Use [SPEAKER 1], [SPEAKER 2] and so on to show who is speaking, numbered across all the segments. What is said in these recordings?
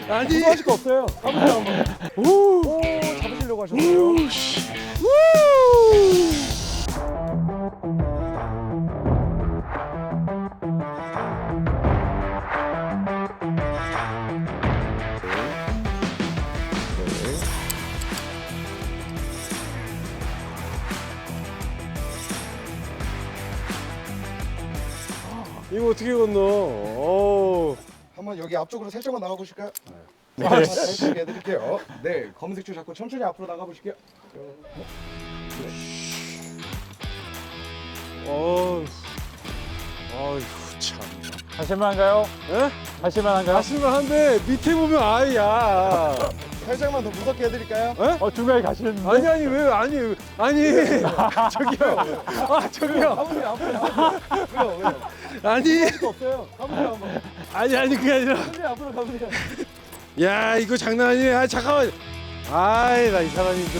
[SPEAKER 1] 아니.
[SPEAKER 2] 하실 거 없어요. 가보세요 한번. 오, 잡으시려고 하셨어요.
[SPEAKER 1] 이거 어떻게 건너? 오.
[SPEAKER 2] 한번 여기 앞쪽으로 살짝만 나가 보실까요? 네. 살짝 해드릴게요. 네, 검은색 줄 잡고 천천히 앞으로 나가 보실게요.
[SPEAKER 1] 어휴. 어휴 참.
[SPEAKER 3] 하실만한가요?
[SPEAKER 1] 에?
[SPEAKER 3] 하실만한가요?
[SPEAKER 1] 하실만한데 밑에 보면 아이야.
[SPEAKER 2] 살짝만 더 무섭게 해드릴까요?
[SPEAKER 3] 중간에 가시는데?
[SPEAKER 1] 아니 왜 아니 저기요. 아 저기요.
[SPEAKER 2] 가보세요 앞으로. 왜요?
[SPEAKER 1] 아니
[SPEAKER 2] 하실 거 없어요. 가보세요 한번.
[SPEAKER 1] 아니 그게 아니라.
[SPEAKER 2] 천천히 앞으로 가보세요.
[SPEAKER 1] 야 이거 장난 아니네. 아 잠깐만. 아이 나 이 사람이 이거.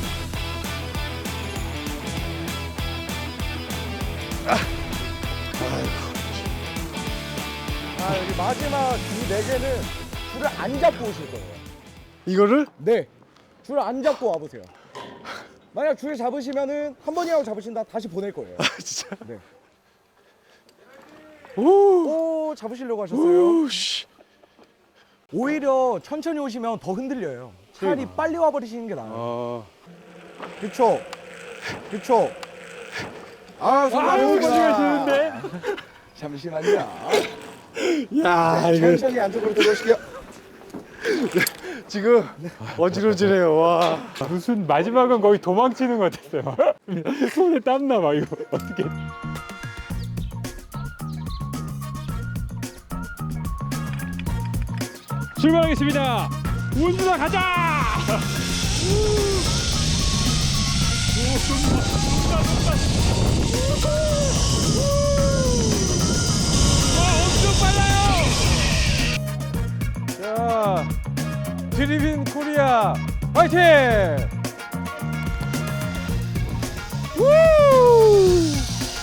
[SPEAKER 2] 아 여기 마지막 이 네 개는 줄을 안 잡고 오실 거예요.
[SPEAKER 1] 이거를?
[SPEAKER 2] 네, 줄 안 잡고 와보세요. 만약 줄 잡으시면은 한 번이라도 잡으신다 다시 보낼 거예요.
[SPEAKER 1] 진짜.
[SPEAKER 2] 네.
[SPEAKER 1] 오.
[SPEAKER 2] 오, 잡으시려고 하셨어요.
[SPEAKER 1] 오 씨.
[SPEAKER 2] 오히려 천천히 오시면 더 흔들려요. 차라리 빨리 와버리시는 게 나아요.
[SPEAKER 1] 아.
[SPEAKER 2] 그쵸? 그쵸? 아,
[SPEAKER 3] 아유, 가시는데?
[SPEAKER 2] 잠시만요.
[SPEAKER 1] 야 이거
[SPEAKER 2] 천천히 안쪽으로 들어오실게요.
[SPEAKER 1] 지금 어지러지네요. 와.
[SPEAKER 3] 무슨 마지막은 거의 도망치는 것 같았어요. 손에 땀나 막 이거 어떻게? 출발하겠습니다. 운수다 가자!
[SPEAKER 1] 자, 드리빈 코리아 화이팅! 우!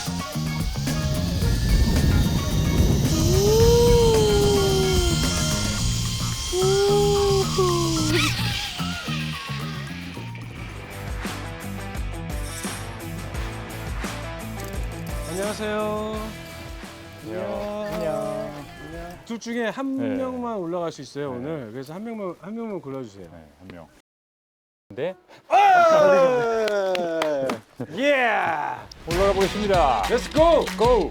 [SPEAKER 1] 안녕하세요.
[SPEAKER 3] 안녕.
[SPEAKER 1] 둘 중에 한
[SPEAKER 3] 네.
[SPEAKER 1] 명만 올라갈 수 있어요 오늘. 그래서 한 명만 골라주세요.
[SPEAKER 3] 네, 한 명. 근데
[SPEAKER 1] 예!
[SPEAKER 3] 올라가 보겠습니다.
[SPEAKER 1] Let's go!
[SPEAKER 3] 고!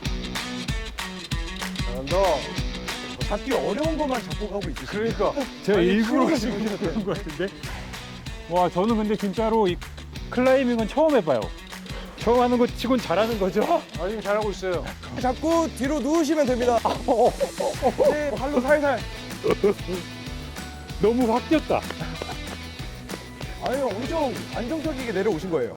[SPEAKER 1] 잘한다.
[SPEAKER 2] 잡기 어려운 것만 잡고 가고 있으시죠?
[SPEAKER 1] 그러니까
[SPEAKER 3] 제가
[SPEAKER 1] 아니,
[SPEAKER 3] 일부러
[SPEAKER 1] 그러니까
[SPEAKER 3] 지금 그런 것 같은데. 와, 저는 근데 진짜로 이 클라이밍은 처음 해봐요. 처음 하는 거 치곤 잘하는 거죠?
[SPEAKER 1] 아니 잘하고 있어요.
[SPEAKER 2] 자꾸 뒤로 누우시면 됩니다. 네, 발로 살살.
[SPEAKER 3] 너무 확 뛰었다.
[SPEAKER 2] 아니, 엄청 안정적이게 내려오신 거예요.